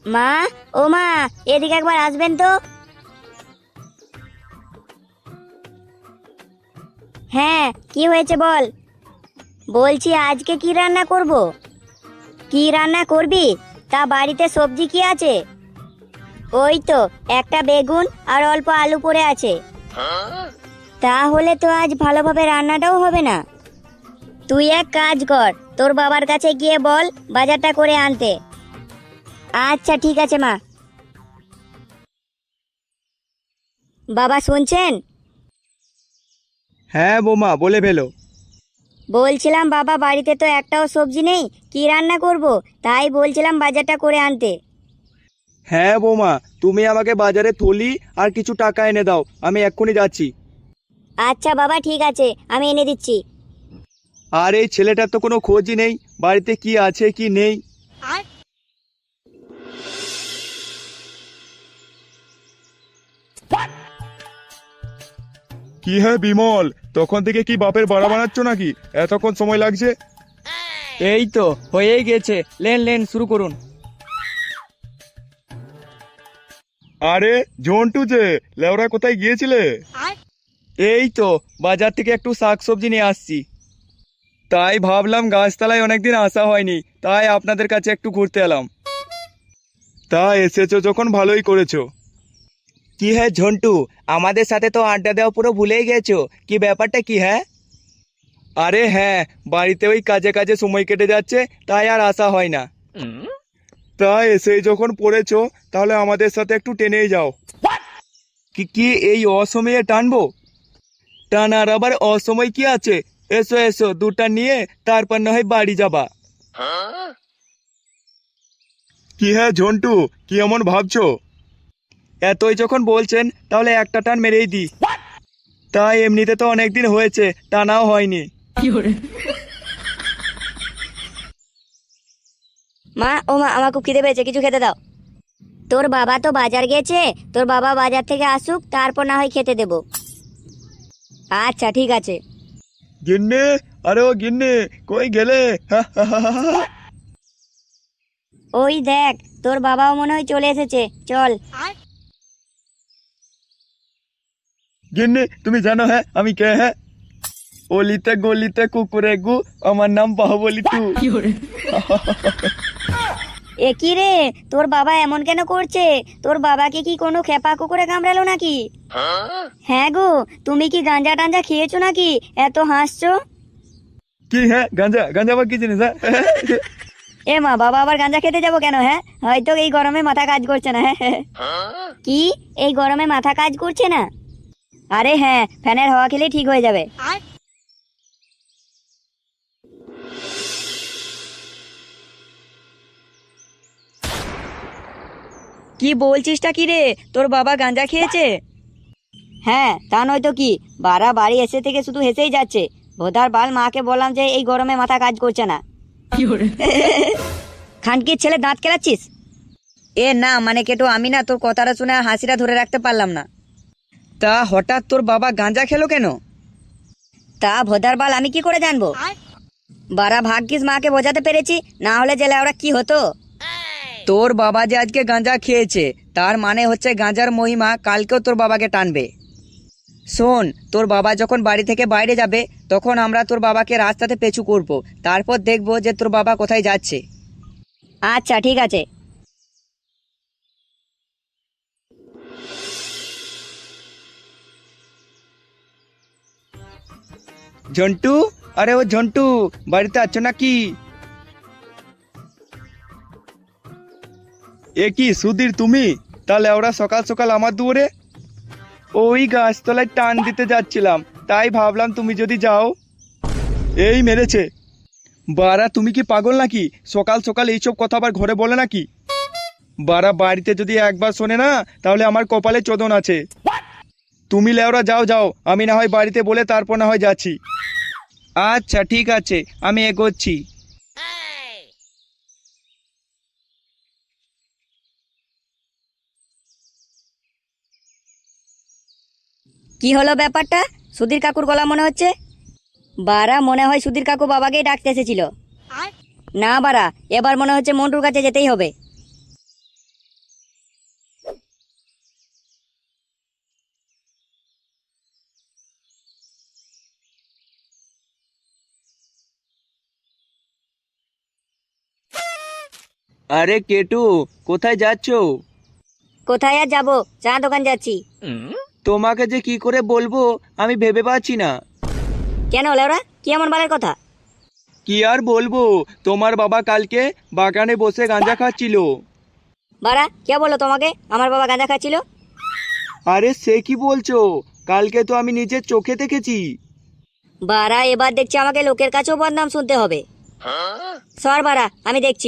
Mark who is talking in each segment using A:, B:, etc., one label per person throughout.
A: মা, ও মা, এদিকে একবার আসবেন তো। হ্যাঁ, কি হয়েছে বল। বলছি আজকে কি রান্না করব। কি রান্না করবি? তা বাড়িতে সবজি কি আছে? ওই তো একটা বেগুন আর অল্প আলু পড়ে আছে। তাহলে তো আজ ভালোভাবে রান্নাটাও হবে না। তুই এক কাজ কর, তোর বাবার কাছে গিয়ে বল বাজারটা করে আনতে। আচ্ছা ঠিক আছে মা। বাবা শুনছেন?
B: হ্যাঁ বৌমা, বলে ফেলো।
A: বলছিলাম বাবা বাড়িতে তো একটাও সবজি নেই, কি রান্না করব, তাই বলছিলাম বাজারটা করে আনতে।
B: হ্যাঁ বৌমা, তুমি আমাকে বাজারে থলি আর কিছু টাকা এনে দাও, আমি এক্ষুনি যাচ্ছি।
A: আচ্ছা বাবা ঠিক আছে, আমি এনে দিচ্ছি।
B: আর এই ছেলেটার তো কোনো খোঁজই নেই, বাড়িতে কি আছে কি নেই। কি হ্যাঁ বিমল, তখন থেকে কি বাপের বাড়া বানাচ্ছ নাকি? এতক্ষণ সময় লাগছে।
C: এই তো হয়েই গেছে, লেন লেন শুরু করুন।
B: আরে ঝন্টু যে, লেওরা কোথায় গিয়েছিলে? এই তো বাজার থেকে একটু শাকসবজি নিয়ে আসছি। তাই ভাবলাম গাছতলায় অনেকদিন আসা হয়নি, তাই আপনাদের কাছে একটু ঘুরতে এলাম। তা এসেছো যখন ভালোই করেছো। কি হ্যাঁ ঝন্টু, আমাদের সাথে তো আড্ডা দেওয়া পুরো ভুলেই গেছো, কি ব্যাপারটা কি হ্যাঁ? আরে হ্যাঁ, বাড়িতে ওই কাজে কাজে সময় কেটে যাচ্ছে, তাই আর আসা হয় না। তা এসেই যখন পড়েছো, তাহলে আমাদের সাথে একটু টেনেই যাও। কি কি এই অসময়ে টানবো? টানার আবার অসময় কি আছে? এসো এসো, দুটা নিয়ে তারপর না হয় বাড়ি যাবা। কি হ্যাঁ ঝন্টু, কি এমন ভাবছো? এতই যখন বলছেন তাহলে একটা টান মেরেই দি। তাই এমনিতে তো অনেকদিন হয়েছে, টানাও হয়নি।
A: মা, ও মা, আমার খুব খিদে পেয়েছে, কিছু খেতে দাও। তোর বাবা তো বাজার গেছে, তোর বাবা বাজার থেকে আসুক তারপর না হয় খেতে দেব। আচ্ছা ঠিক আছে।
B: গিন্নি, আরে ও গিন্নি, কই গেলে?
A: ওই দেখ, তোর বাবাও মনে হয় চলে এসেছে, চল।
B: গিন্নি তুমি জানো হ্যাঁ আমি কে হ্যাঁ? অলিতে গলিতে কুকুরে গু, আমার নাম বাহুবলি টু।
A: এ কি রে, তোর বাবা এমন কেন করছে? তোর বাবাকে কি কোনো খেপা কুকুরে কামড়ালো নাকি? হ্যাঁ গো, তুমি কি গাঁজা টাঞ্জা খেয়েছো নাকি এত হাসছো?
B: কি হ্যাঁ, গাঁজা গাঁজা আবার কি জিনিস হ্যাঁ?
A: এ মা, বাবা আবার গাঁজা খেতে যাবো কেন? হ্যাঁ, হয়তো এই গরমে মাথা কাজ করছে না। হ্যাঁ কি, এই গরমে মাথা কাজ করছে না? আরে হ্যাঁ, ফ্যানের হাওয়া খেলেই ঠিক হয়ে যাবে। কি বলছিসটা কি রে, তোর বাবা গাঁজা খেয়েছে? হ্যাঁ, তা নয় তো কি, বাড়া বাড়ি এসে থেকে শুধু হেসেই যাচ্ছে। ভোদার বাল, মাকে বললাম যে এই গরমে মাথা কাজ করছে না। খানকির ছেলে, দাঁত কেলাচ্ছিস? এ না মানে কেটো, আমি না তোর কথাটা শুনে আর হাসিটা ধরে রাখতে পারলাম না।
C: তা হঠাৎ তোর বাবা গাঁজা খেলো কেন?
A: তা ভোদার বাল, আমি কি করে জানবো? বাড়া ভাগ্যিস মাকে বোঝাতে পেরেছি, না হলে জেলে ওরা কি হতো।
C: তোর বাবা যে আজকে গাঁজা খেয়েছে, তার মানে হচ্ছে গাঁজার মহিমা কালকেও তোর বাবাকে টানবে। শোন, তোর বাবা যখন বাড়ি থেকে বাইরে যাবে, তখন আমরা তোর বাবাকে রাস্তাতে পেছু করব, তারপর দেখবো যে তোর বাবা কোথায় যাচ্ছে।
A: আচ্ছা ঠিক আছে।
B: ঝন্টু, আরে ও ঝন্টু, বাড়িতে আছো নাকি? এ কি সুধীর তুমি? তাহলে ওরা সকাল সকাল আমার দুয়ারে? ওই গাছতলায় টান দিতে যাচ্ছিলাম, তাই ভাবলাম তুমি যদি যাও। এই মেরেছে। বাড়া তুমি কি পাগল নাকি? সকাল সকাল এইসব কথা আবার ঘরে বলে নাকি? বাড়া বাড়িতে যদি একবার শোনে না, তাহলে আমার কপালে চোদন আছে। তুমি লেওরা যাও যাও, আমি না হয় বাড়িতে বলে তারপর না হয় যাচ্ছি। আচ্ছা ঠিক আছে, আমি এগোচ্ছি।
A: কি হলো ব্যাপারটা? সুধীর কাকুর গলা মনে হচ্ছে। বারা, মনে হয় সুধীর কাকু বাবাকেই ডাকতে এসেছিল। না বারা, এবার মনে হচ্ছে মন্টুর কাছে যেতেই হবে।
B: আরে কেটু, কোথায় যাচ্ছো?
A: কোথায় আর যাবো, চা দোকান যাচ্ছি।
B: তোমাকে যে কি করে বলবো আমি ভেবে পাচ্ছি না।
A: কেন লেওরা, কি এমন বালের কথা?
B: কি আর বলবো, তোমার বাবা কালকে বাগানে বসে গাঁজা খাচ্ছিল।
A: বাড়া, কে বললো তোমাকে আমার বাবা গাঁজা খাচ্ছিল?
B: আরে সে কি বলছো, কালকে তো আমি নিজের চোখে দেখেছি।
A: বাড়া, এবার দেখছি আমাকে লোকের কাছেও বদনাম শুনতে হবে। সর বাড়া, আমি দেখছি।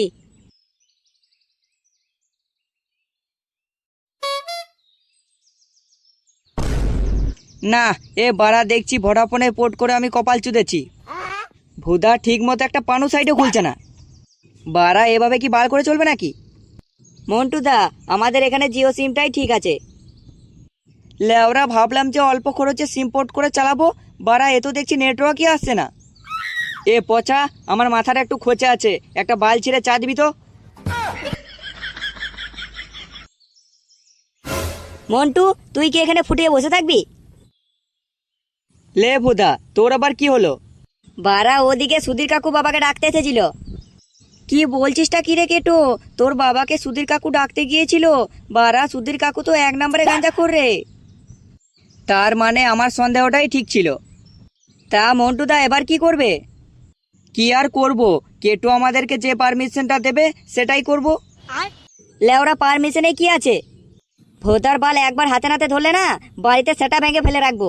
C: না, এ বাড়া দেখছি ভোডাফোনে পোর্ট করে আমি কপাল চুদেছি। ভুদা ঠিক মতো একটা পানু সাইডে খুলছে না। বাড়া এভাবে কি বার করে চলবে নাকি?
A: মন্টুদা, আমাদের এখানে জিও সিমটাই ঠিক আছে।
C: লেওরা ভাবলাম যে অল্প খরচে সিম পোর্ট করে চালাবো, বাড়া এ তো দেখছি নেটওয়ার্কই আসছে না। এ পচা, আমার মাথাটা একটু খোঁচে আছে, একটা বাল ছিঁড়ে চা দিবি তো।
A: মন্টু, তুই কি এখানে ফুটিয়ে বসে থাকবি?
C: লে ভুদা, তোর আবার কি হলো?
A: বাড়া, ওদিকে সুধীর কাকু বাবাকে ডাকতে এসেছিল।
C: কি বলছিসটা কি রে কেটো? তোর বাবাকে সুধীর কাকু ডাকতে গিয়েছিল? বাড়া সুধীর কাকু তো 1 নম্বরে গাঁজাখোর রে। তার মানে আমার সন্দেহটাই ঠিক ছিল। তা মন্টুদা এবার কি করবে? কি আর করব, কেটো আমাদেরকে যে পারমিশনটা দেবে সেটাই করব।
A: লেওরা, পারমিশনে কি আছে? ভোতার বাল একবার হাতে নাতে ধরলে না, বাড়িতে সেটা ভেঙে ফেলে রাখবো।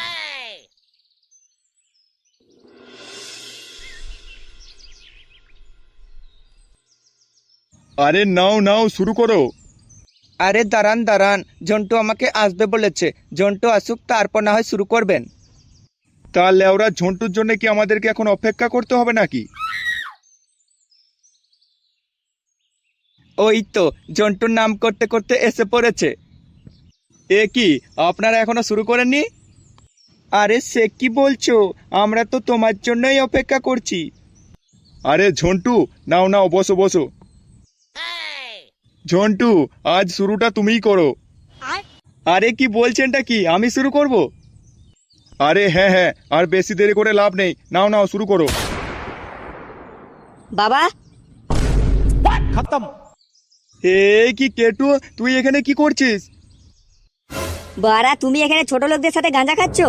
B: আরে নাও নাও, শুরু করো।
C: আরে দাঁড়ান দাঁড়ান, জন্টু আমাকে আসবে বলেছে, জন্টু আসুক তারপর না হয় শুরু করবেন।
B: তা লেওরা ঝন্টুর জন্য কি আমাদেরকে এখন অপেক্ষা করতে হবে নাকি?
C: ওই তো জন্টুর নাম করতে করতে এসে পড়েছে।
B: এ কি, আপনারা এখনো শুরু করেননি?
C: আরে সে কি বলছো, আমরা তো তোমার জন্যই অপেক্ষা করছি।
B: আরে ঝন্টু, নাও নাও, বসো বসো। ঝন্টু, আজ শুরুটা তুমিই করো।
C: আরে কি বলছেনটা কি, আমি শুরু করব?
B: আরে হ্যাঁ হ্যাঁ, আর বেশি দেরি করে লাভ নেই, নাও নাও শুরু করো।
A: বাবা,
B: এই কি কেটু, তুই এখানে কি করছিস?
A: বাড়া, তুমি এখানে ছোট লোকদের সাথে গাঁজা খাচ্ছ?